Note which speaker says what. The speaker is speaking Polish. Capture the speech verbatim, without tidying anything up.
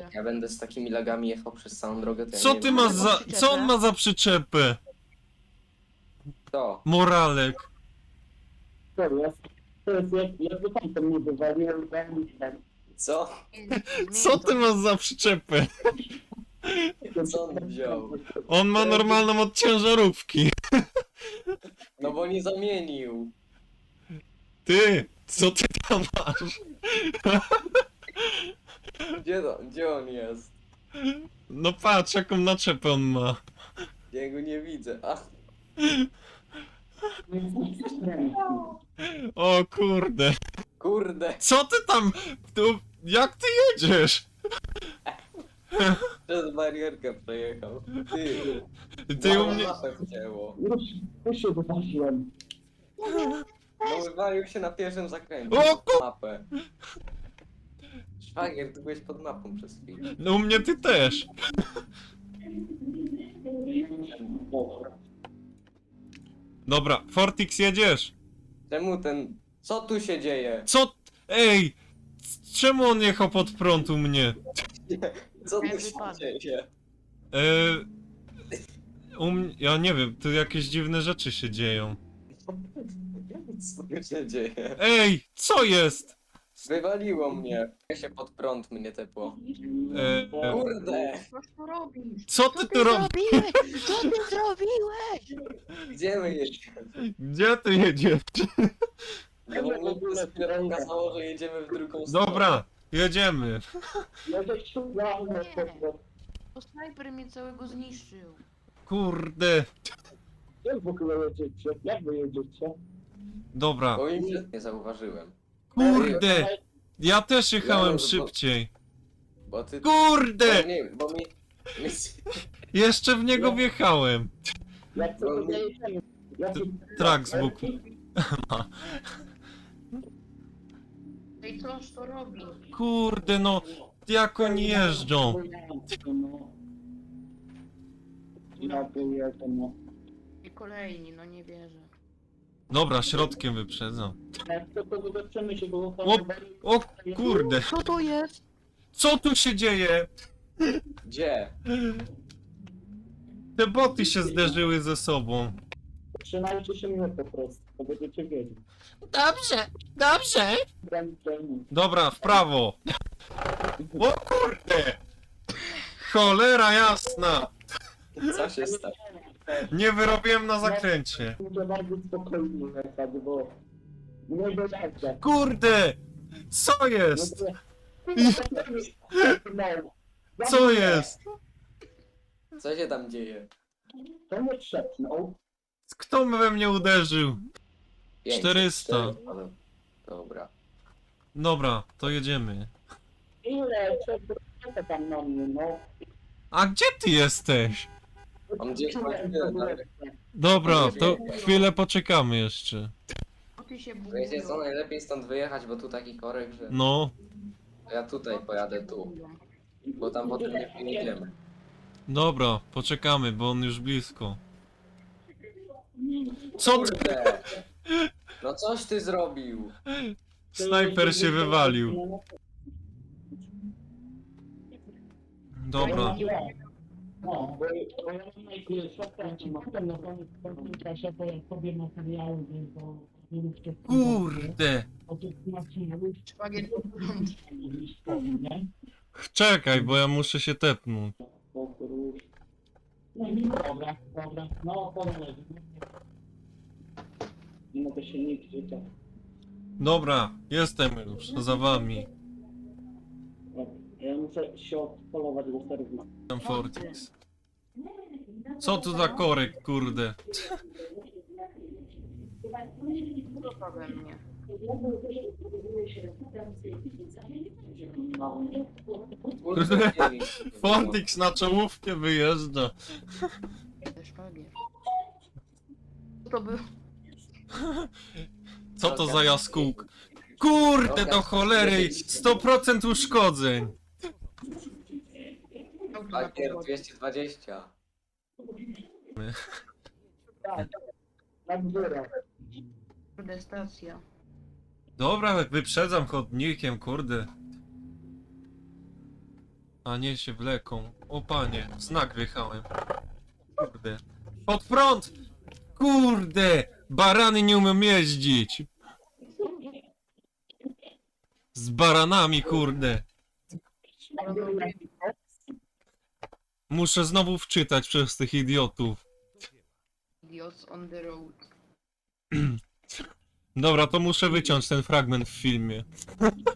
Speaker 1: dobrze.
Speaker 2: Ja będę z takimi lagami jechał przez całą drogę, to ja
Speaker 3: Co
Speaker 2: nie
Speaker 3: ty
Speaker 2: wiem.
Speaker 3: masz za... Co on ma za przyczepę?
Speaker 2: To.
Speaker 3: Moralek.
Speaker 4: To jest, to jest jak, jakby tam to mnie wywalił,
Speaker 2: Co?
Speaker 3: Co ty masz za przyczepę?
Speaker 2: Co on wziął?
Speaker 3: On ma normalną od ciężarówki.
Speaker 2: No bo nie zamienił.
Speaker 3: Ty, co ty tam masz?
Speaker 2: Gdzie, to, gdzie on jest?
Speaker 3: No patrz, jaką naczepę on ma.
Speaker 2: Ja go nie widzę. Ach,
Speaker 3: O kurde.
Speaker 2: kurde.
Speaker 3: Co ty tam... Tu... Jak ty jedziesz?
Speaker 2: Przez barierkę przejechał. Ty.
Speaker 3: Ty u mnie...
Speaker 2: Mapę wcięło.
Speaker 4: Już, już się wyważyłem.
Speaker 2: No wywalił się na pierwszym zakręcie.
Speaker 3: O ku-
Speaker 2: Mapę. Szwagier, ty byłeś pod mapą przez chwilę.
Speaker 3: No u mnie ty też. Dobra, Fortix jedziesz.
Speaker 2: Czemu ten... Co tu się dzieje?
Speaker 3: Co... Ej! Czemu on jechał pod prąd u mnie?
Speaker 2: Co tu
Speaker 1: Jak
Speaker 2: się
Speaker 1: wypadek.
Speaker 2: dzieje?
Speaker 3: Eee... U mnie... Ja nie wiem, tu jakieś dziwne rzeczy się dzieją.
Speaker 2: Co tu się dzieje?
Speaker 3: Ej! Co jest?
Speaker 2: Wywaliło mnie. Ja się pod prąd mnie tepło.
Speaker 3: Eee...
Speaker 2: Kurde!
Speaker 1: Co tu robisz?
Speaker 3: Co ty tu robisz?
Speaker 1: zrobiłeś? Co ty zrobiłeś?
Speaker 2: Gdzie my jedziemy?
Speaker 3: Gdzie ty jedziesz?
Speaker 2: No bo mi to dopiero okazało, że jedziemy w drugą stronę.
Speaker 3: Dobra, jedziemy.
Speaker 4: Ja też szukałem na to.
Speaker 1: To snajper mnie całego zniszczył.
Speaker 3: Kurde.
Speaker 4: Jak w ogóle jedziecie? Jak wy jedziecie?
Speaker 3: Dobra.
Speaker 2: Bo im nie zauważyłem.
Speaker 3: Kurde. Ja też
Speaker 2: Ja
Speaker 3: jechałem
Speaker 2: może, bo-
Speaker 3: szybciej.
Speaker 2: Bo ty...
Speaker 3: Kurde!
Speaker 2: Bo, nie, bo mi... mi...
Speaker 3: Jeszcze w niego wjechałem.
Speaker 4: Jak to
Speaker 2: No,
Speaker 4: jedziemy? Jak
Speaker 3: Trak z boku.
Speaker 1: Ej, coż to robi?
Speaker 3: Kurde no, jak oni jeżdżą.
Speaker 4: Ja pojadę, no.
Speaker 1: I kolejni, no nie wierzę.
Speaker 3: Dobra, środkiem wyprzedzam.
Speaker 4: Jak to to zobaczymy się, bo...
Speaker 3: O, o kurde.
Speaker 1: Co to jest?
Speaker 3: Co tu się dzieje?
Speaker 2: Gdzie?
Speaker 3: Te boty się zderzyły ze sobą.
Speaker 4: Trzymajcie się mnie po prostu, to będziecie wiedzieć.
Speaker 3: Dobrze, dobrze.
Speaker 4: Graniczenie.
Speaker 3: Dobra, w prawo. O kurde. Cholera jasna.
Speaker 2: Co się stało?
Speaker 3: Nie wyrobiłem na zakręcie.
Speaker 4: Muszę bardzo spokojnie jechać, bo... Nie dojadę.
Speaker 3: Kurde. Co jest?
Speaker 4: No.
Speaker 3: Co jest?
Speaker 2: Co się tam dzieje?
Speaker 4: To nie trzepnął.
Speaker 3: Kto we mnie uderzył?
Speaker 2: pięćset,
Speaker 3: czterysta.
Speaker 2: cztery. Dobra.
Speaker 3: Dobra, to jedziemy.
Speaker 4: Ile? Co tam na mnie, no?
Speaker 3: A gdzie ty jesteś?
Speaker 2: On gdzieś ma chwilę dalej.
Speaker 3: Dobra, to chwilę poczekamy jeszcze.
Speaker 1: O ty się
Speaker 2: Wiecie co,
Speaker 1: budują.
Speaker 2: najlepiej stąd wyjechać, bo tu taki korek, że...
Speaker 3: No,
Speaker 2: Ja tutaj pojadę tu, bo tam potem nie pojedziemy.
Speaker 3: dobra, poczekamy, bo on już blisko. Co ty?
Speaker 2: Kurde! No coś ty zrobił!
Speaker 3: Snajper się wywalił. Dobra.
Speaker 4: No, bo bo ja mam najpierw zakręcie, a potem na koniec w końcu czasie to ja sobie materiały, więc to...
Speaker 3: Kurde.
Speaker 4: O tych materiałów
Speaker 1: Szwagier,
Speaker 4: nie?
Speaker 3: Czekaj, bo ja muszę się tepnąć.
Speaker 4: O kurwa. No i dobra, dobra, no powoli. Nie mogę się nigdzie tak.
Speaker 3: Dobra, jestem już za wami.
Speaker 4: Dobra, ja muszę się odpolować do serwisu.
Speaker 3: Tam Fortix. Co tu za korek, kurde?
Speaker 1: co we mnie?
Speaker 4: No.
Speaker 2: Kurde,
Speaker 3: Fortix na czołówkę wyjeżdża.
Speaker 1: Szwagier. Co to był?
Speaker 3: Co to za jaskółk? Kurde do cholery! sto procent uszkodzeń!
Speaker 1: Auto na
Speaker 2: Pakier
Speaker 1: podłodze.
Speaker 2: dwieście dwadzieścia.
Speaker 4: Tak, tak górę.
Speaker 1: Kurde, stacja.
Speaker 3: Dobra, wyprzedzam chodnikiem, kurde. A nie się wleką. O panie, w znak wjechałem. Kurde. Pod prąd! Kurde! Barany nie umiem jeździć! Z baranami, kurde! Muszę znowu wczytać przez tych idiotów.
Speaker 1: Idiots on the road.
Speaker 3: Dobra, to muszę wyciąć ten fragment w filmie.